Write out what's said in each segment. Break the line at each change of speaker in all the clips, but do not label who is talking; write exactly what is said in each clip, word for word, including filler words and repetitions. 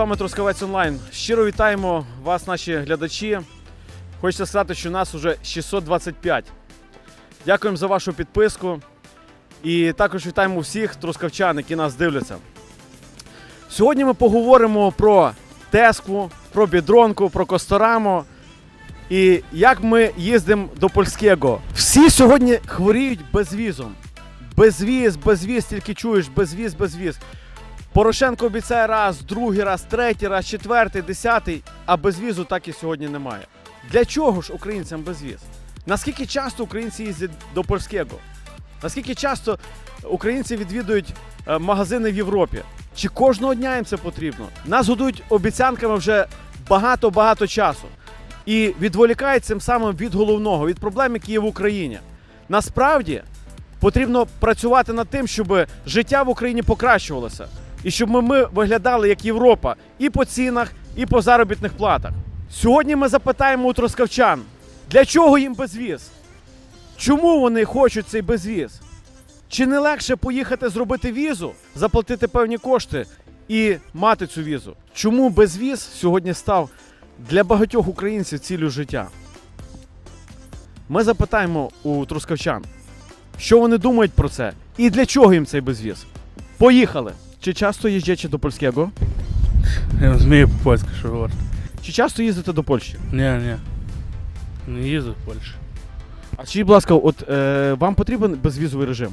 вами Трускавець Онлайн. Щиро вітаємо вас, наші глядачі. Хочеться сказати, що нас вже шістсот двадцять п'ять. Дякуємо за вашу підписку. І також вітаємо всіх трускавчан, які нас дивляться. Сьогодні ми поговоримо про Теску, про Бідронку, про Косторамо і як ми їздимо до Польського. Всі сьогодні хворіють безвізом. Безвіз, безвіз, тільки чуєш, безвіз, безвіз. Порошенко обіцяє раз, другий раз, третій раз, четвертий, десятий, а безвізу так і сьогодні немає. Для чого ж українцям безвіз? Наскільки часто українці їздять до Польського? Наскільки часто українці відвідують магазини в Європі? Чи кожного дня їм це потрібно? Нас годують обіцянками вже багато-багато часу. І відволікають цим самим від головного, від проблем, які є в Україні. Насправді, потрібно працювати над тим, щоб життя в Україні покращувалося. І щоб ми, ми виглядали як Європа і по цінах, і по заробітних платах. Сьогодні ми запитаємо у трускавчан, для чого їм безвіз? Чому вони хочуть цей безвіз? Чи не легше поїхати зробити візу, заплатити певні кошти і мати цю візу? Чому безвіз сьогодні став для багатьох українців ціллю життя? Ми запитаємо у трускавчан, що вони думають про це і для чого їм цей безвіз. Поїхали! Чи часто їздять до Польського?
Я розумію по-польськи, що говорити.
Чи часто їздите до Польщі?
Ні, ні. Не їздив в Польщу.
А скажіть, будь ласка, от е, вам потрібен безвізовий режим?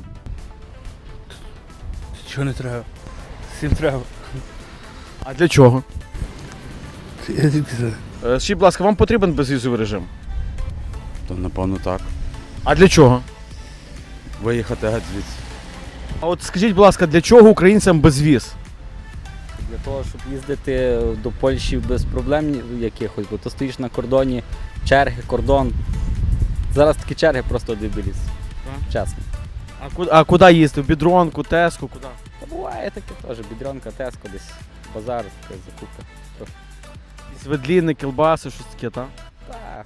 Чого не треба? Всім треба.
А для чого?
Я звідки знаю?
Е, скажіть, будь ласка, вам потрібен безвізовий режим?
То напевно так.
А для чого?
Виїхати геть звідси.
А от скажіть, будь ласка, для чого українцям безвіз?
Для того, щоб їздити до Польщі без проблем якихось, бо то стоїш на кордоні, черги, кордон. Зараз такі черги просто дебіліс. Чесно.
А куди, а куди їздити? В Бідронку, Теску, куди?
Та буває таке теж, Бідрянка, Теско, десь базар, таке закупи. Трохи.
Якісь ведліни, кілбаси, щось таке, так?
Так.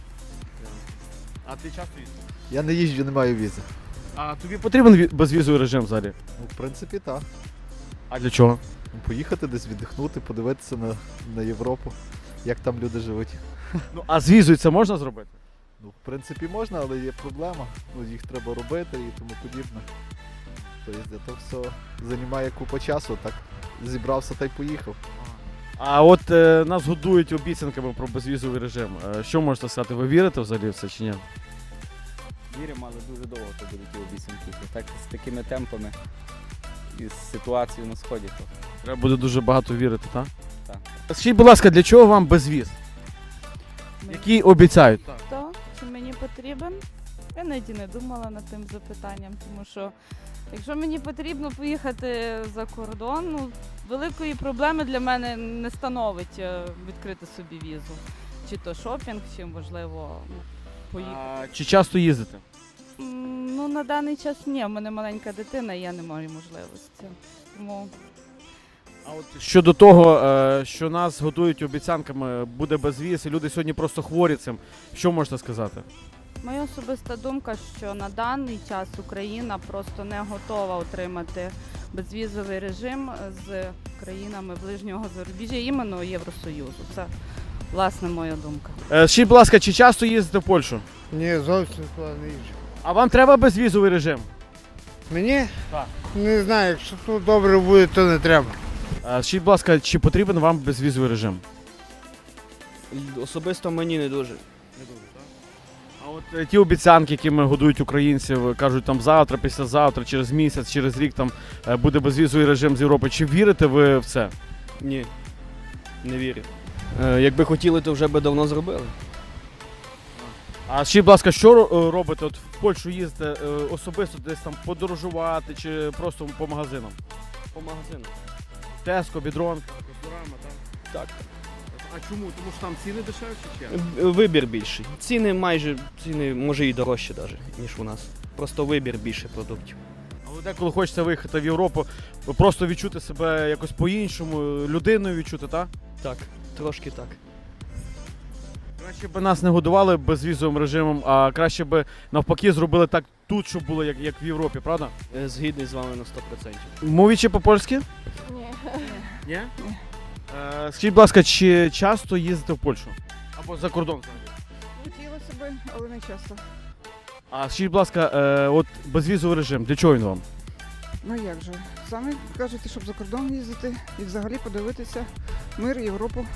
А ти часто їздиш?
Я не їжджу, не маю візи.
А тобі потрібен ві- безвізовий режим взагалі?
Ну, в принципі, так.
А для чого?
Поїхати десь віддихнути, подивитися на, на Європу, як там люди живуть.
Ну, а з візою це можна зробити?
Ну, в принципі, можна, але є проблема. Ну, їх треба робити і тому подібне. Тобто, то все займає купу часу, так зібрався та й поїхав.
А от е, нас годують обіцянками про безвізовий режим. Е, що можете сказати? Ви вірите взагалі в це чи ні?
Віримо, але дуже довго то будуть ті обіцянки. Так, з такими темпами і з ситуацією на сході. То,
Треба буде дуже багато вірити, так?
так.
Скажіть, будь ласка, для чого вам безвіз? Які обіцяють?
То, чи мені потрібен? Я навіть і не думала над тим запитанням, тому що якщо мені потрібно поїхати за кордон, ну, великої проблеми для мене не становить е, відкрити собі візу. Чи то шопінг, чи можливо ну, поїхати.
А, чи часто їздите?
М, Ну, на даний час ні, в мене маленька дитина, і я не маю можливості. Тому
А от щодо того, е, що нас годують обіцянками, буде безвіз, і люди сьогодні просто хворі цим, що можете сказати?
моя особиста думка, що на даний час Україна просто не готова отримати безвізовий режим з країнами ближнього зарубіжжя, іменно Євросоюзу. Це, власне, моя думка.
Е, скажіть, будь ласка, чи часто їздите в Польщу?
Ні, зовсім туди не їжджу.
А вам треба безвізовий режим?
Мені?
Так.
Не знаю, якщо тут добре буде, то не треба.
Е, скажіть, будь ласка, чи потрібен вам безвізовий режим?
Особисто мені не дуже.
А от е, ті обіцянки, якими годують українців, кажуть, там завтра, післязавтра, через місяць, через рік там е, буде безвізовий режим з Європи. Чи вірите ви в це?
Ні. Не вірю. Е, якби хотіли, то вже би давно зробили.
А скажіть, будь ласка, що ро- робите? От в Польщу їздите е, особисто десь там подорожувати чи просто по магазинам?
По магазину.
Теско, Бідронка, Косторамо, так?
Так.
А чому? Тому що там ціни дешевші чи?
Е, Вибір більший. Ціни майже, ціни може і дорожчі навіть, ніж у нас. Просто вибір більше продуктів.
Але деколи хочеться виїхати в Європу, просто відчути себе якось по-іншому, людиною відчути, так?
Так, трошки так.
Краще б нас не годували безвізовим режимом, а краще б навпаки зробили так тут, щоб було як, як в Європі, правда?
Е, Згідний з вами на сто відсотків.
Мовічи по-польськи?
Ні.
Ні? Е, Скажіть, будь ласка, чи часто їздите в Польщу? Або за кордон взагалі?
Хотілося б, але не часто.
А скажіть, будь ласка, е, от безвізовий режим, для чого він вам?
Ну як же? Самі кажете, щоб за кордон їздити і взагалі подивитися мир, Європу.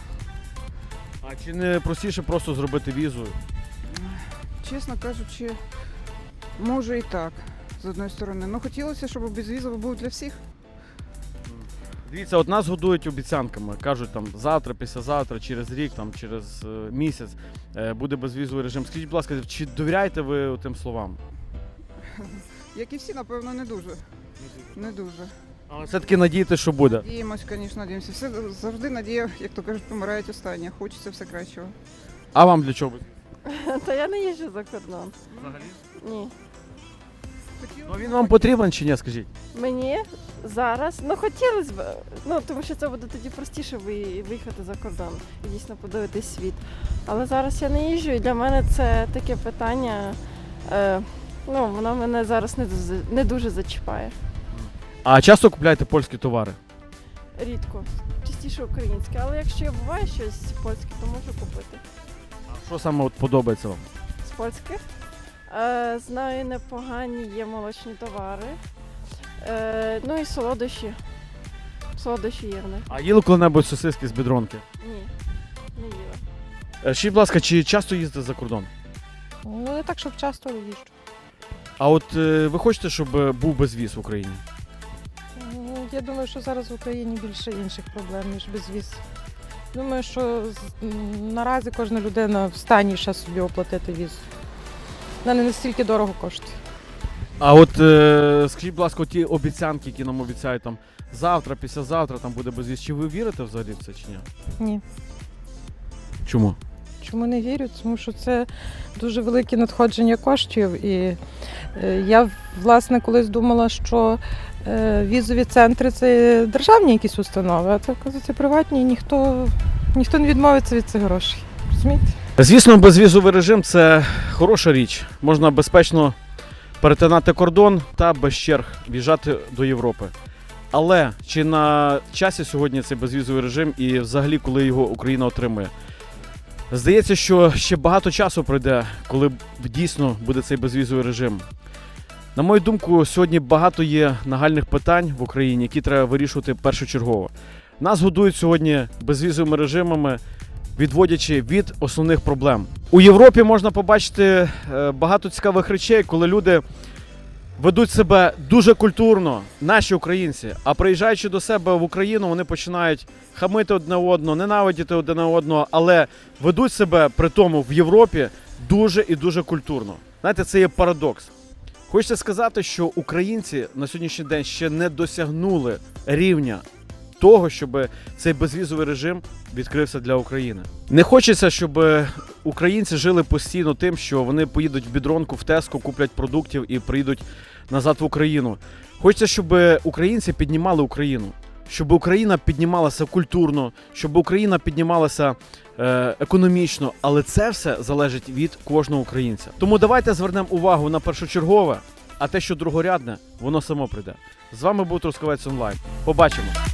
А чи не простіше просто зробити візу?
Чесно кажучи, може і так, з одної сторони. Ну хотілося, щоб безвізово був для всіх.
Дивіться, от нас годують обіцянками. Кажуть, там завтра, післязавтра, через рік, там, через е, місяць е, буде безвізовий режим. Скажіть, будь ласка, чи довіряєте ви тим словам?
Як і всі, напевно, не дуже. Не дуже.
Але все-таки надієтесь, що буде.
Надіємось, звісно, надіємося. Все завжди надія, як то кажуть, помирають останні. Хочеться все кращого.
А вам для чого?
Та я не їжджу за кордон.
Взагалі?
Ні.
Ну він вам потрібен чи ні, скажіть?
Мені зараз, ну хотілося б, ну тому що це буде тоді простіше ви- виїхати за кордон і дійсно подивитись світ. Але зараз я не їжджу, і для мене це таке питання, е, ну воно мене зараз не дуже, не дуже зачіпає.
А часто купляєте польські товари?
Рідко, частіше українське. Але якщо я буває щось польське, то можу купити.
А що саме от подобається вам?
З польських. Е, знаю, непогані є молочні товари. Е, ну і солодощі. Солодощі є в них.
А їли коли-небудь сосиски з бідронки?
Ні, не їла.
Е, Скажіть, будь ласка, чи часто їздите за кордон?
Ну, не так, щоб часто їжджу.
А от е, ви хочете, щоб е, був безвіз в Україні?
Ну, я думаю, що зараз в Україні більше інших проблем, ніж безвіз. Думаю, що з- м, наразі кожна людина в стані ще собі оплатити віз. Вона не настільки дорого коштує.
А от е, скажіть, будь ласка, ті обіцянки, які нам обіцяють там завтра, післязавтра там буде безвіз, чи ви вірите взагалі в це чи ні?
Ні.
Чому?
Чому не вірю? Тому що це дуже велике надходження коштів. І е, я, власне, колись думала, що е, візові центри це державні якісь установи, а це, оказується, приватні, і ніхто, ніхто не відмовиться від цих грошей. Розумієте?
Звісно, безвізовий режим це хороша річ. Можна безпечно перетинати кордон та без черг в'їжджати до Європи. Але чи на часі сьогодні цей безвізовий режим і взагалі коли його Україна отримує? Здається, що ще багато часу пройде, коли дійсно буде цей безвізовий режим. На мою думку, сьогодні багато є нагальних питань в Україні, які треба вирішувати першочергово. Нас годують сьогодні безвізовими режимами, відводячи від основних проблем. У Європі можна побачити е, багато цікавих речей, коли люди ведуть себе дуже культурно, наші українці, а приїжджаючи до себе в Україну, вони починають хамити одне одного, ненавидіти одне одного, але ведуть себе при тому в Європі дуже і дуже культурно. Знаєте, це є парадокс. Хочеться сказати, що українці на сьогоднішній день ще не досягнули рівня того, щоб цей безвізовий режим відкрився для України. Не хочеться, щоб українці жили постійно тим, що вони поїдуть в бідронку, в Теско, куплять продуктів і приїдуть назад в Україну. Хочеться, щоб українці піднімали Україну, щоб Україна піднімалася культурно, щоб Україна піднімалася е, економічно, але це все залежить від кожного українця. Тому давайте звернемо увагу на першочергове, а те, що другорядне, воно само прийде. З вами був Трускавець Онлайн. Побачимо!